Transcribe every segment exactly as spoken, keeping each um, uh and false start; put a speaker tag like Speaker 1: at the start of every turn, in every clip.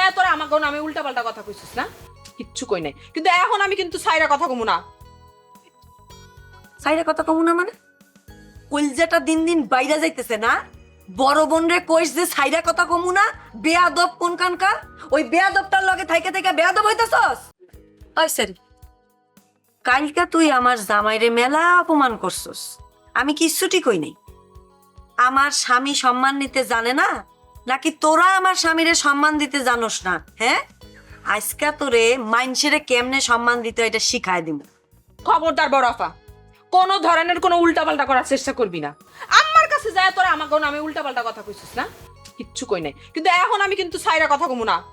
Speaker 1: যায় তোরা আমাকে আমি উল্টা পাল্টা কথা কইছিস না, কিচ্ছু কই নাই, কিন্তু এখন আমি কিন্তু সাইরা কথা কমু না।
Speaker 2: সাইডে কথা কমু না মানে? কলজাটা দিন দিন বাইরে যাইতেছে না? বড় বোন রে কইস যে সাইডে কথা কমু না, বেয়াদব কোনখানকার? ওই বেয়াদবটার লগে থাইকে থাইকে বেয়াদব হইতাছস? ওই সরি, কালকা তুই আমার জামাইরে মেলা অপমান করছস, আমি কিচ্ছুটি কই নাই। আমার স্বামী সম্মান নিতে জানে না, নাকি তোরা আমার স্বামীরে সম্মান দিতে জানোস না? হ্যাঁ, আজকা তোরে মাইনসেরে কেমনে সম্মান দিতে হয় এটা শিখায় দিব।
Speaker 1: খবরদার বড়াফা, কোন ধরনের কোনো উল্টা পাল্টা করার চেষ্টা করবি না। আমার কাছে যায় তোরা আমাকে আমি উল্টা পাল্টা কথা কইছিস না, কিচ্ছু কই নাই, কিন্তু এখন আমি কিন্তু সাইরা কথা কমু না।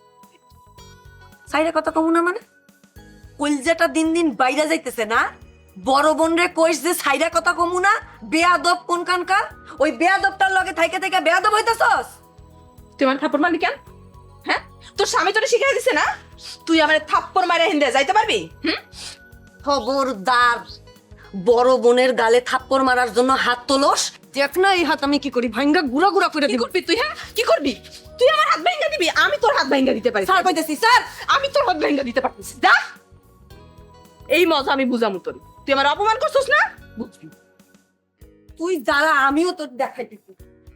Speaker 2: সাইডে কথা কমু না মানে? কলজাটা দিন দিন বাইরে যাইতেছে না? বড় বোন রে কইস যে সাইডে কথা কমু না, বেয়াদব কোনখানকার? ওই বেয়াদবটার লগে থাইকে থাইকে বেয়াদব হইতাছস?
Speaker 1: তুই আমার থাপ্পড় মারলি কেন? হ্যাঁ, তোর স্বামী তোরে শিখাই দিছে না? তুই আমার থাপ্পড় মারে হিন্দে যাইতে পারবি? হুম,
Speaker 2: খবরদার, বড় বোনের গালে থাপ্পড় মারার জন্য হাত তোলস, দেখ না এই হাত আমি কি করি, ভাঙ্গা গুড়া গুড়া করে
Speaker 1: কি
Speaker 2: দিব।
Speaker 1: করবি তুই? হ্যাঁ, কি করবি তুই? আমার হাত ভাঙ্গা দিবি? আমি তোর হাত ভাঙ্গা দিতে পারি?
Speaker 2: স্যার কইতেছি স্যার,
Speaker 1: আমি তোর হাত ভাঙ্গা দিতে পারতেছি? যা, এই মজা আমি বুঝামু তোর। তুই আমার অপমান করছিস না, বুঝবি।
Speaker 2: তুই যারা আমিও তোর দেখাইতেছি।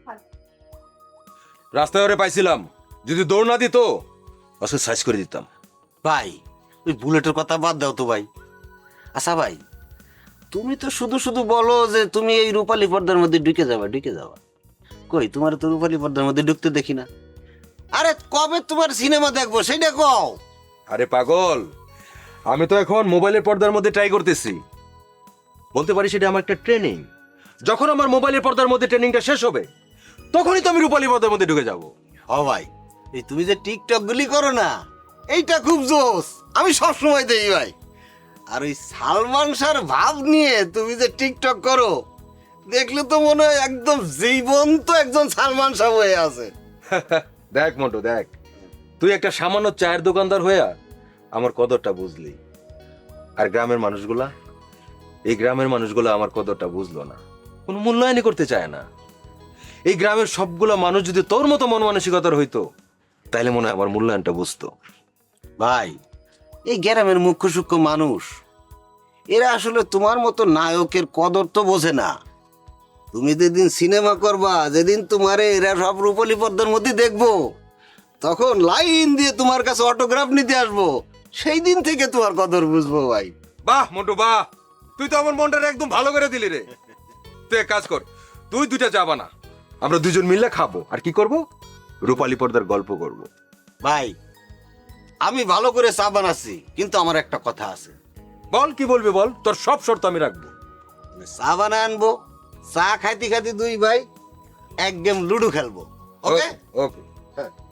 Speaker 3: রাস্তায় ওরে পাইছিলাম, যদি দৌড় না দিত আসলে সাইজ করে দিতাম।
Speaker 4: ভাই ওই বুলেটের কথা বাদ দাও তো ভাই। আচ্ছা ভাই, তুমি তো শুধু শুধু বলো যে তুমি এই রূপালী পর্দার মধ্যে ঢুকে যাবা ঢুকে যাবা কই তোমার তো রূপালী পর্দার মধ্যে ঢুকতে দেখি না। আরে কবে তোমার সিনেমা দেখবো সেইটা কও।
Speaker 3: আরে পাগল, আমি তো এখন মোবাইলের পর্দার মধ্যে ট্রাই করতেছি। বলতে পারি সেটা আমার একটা ট্রেনিং। যখন আমার মোবাইলের পর্দার মধ্যে ট্রেনিংটা শেষ হবে তখনই তো আমি রূপালী পর্দার মধ্যে ঢুকে যাব।
Speaker 4: ও ভাই, এই তুমি যে টিকটক গুলি করো না, এইটা খুব জোস, আমি সব সময় দেখি ভাই। আর ওই সালমান শাহর ভাব নিয়ে তুমি যে টিকটক করো, দেখলে তো মনে হয় একদম জীবন্ত একজন সালমান শাহ হয়ে আছে।
Speaker 3: দেখ মন্টু দেখ, তুই একটা সামান্য চায়ের দোকানদার হইয়া আমার কদরটা বুঝলি, আর গ্রামের মানুষগুলা, এই গ্রামের মানুষগুলা আমার কদরটা বুঝলো না, কোনো মূল্যায়নই করতে চায় না। এই গ্রামের সবগুলা মানুষ যদি তোর মতো মন মানসিকতার হইতো তাইলে মনে হয় আমার মূল্যায়নটা বুঝতো।
Speaker 4: ভাই, এই গ্রামের মুখ্য সূক্ষ্ম মানুষ, এরা আসলে তোমার মতো নায়কের কদর তো বোঝে না। তুমি যেদিন সিনেমা করবা, যেদিন তোমারে এরা সব রূপালী পর্দার মধ্যে দেখবো, তখন লাইন দিয়ে তোমার কাছে অটোগ্রাফ নিতে আসবো, সেই দিন থেকে তোমার কদর বুঝবো ভাই।
Speaker 3: বাহ মন্টু বাহ, তুই তো আমার মনটা একদম ভালো করে দিলি রে। তুই এক কাজ কর, তুই দুইটা যাবা না, আমরা দুজন মিলে খাবো, আর কি করব, রূপালী পর্দার গল্প করব।
Speaker 4: ভাই, আমি ভালো করে চা বানাচ্ছি, কিন্তু আমার একটা কথা আছে।
Speaker 3: বল, কি বলবি বল, তোর সব শর্ত আমি রাখবো।
Speaker 4: চা বানা আনবো, চা খাইতে খাইতে দুই ভাই এক গেম লুডো খেলবো। ওকে
Speaker 3: ওকে।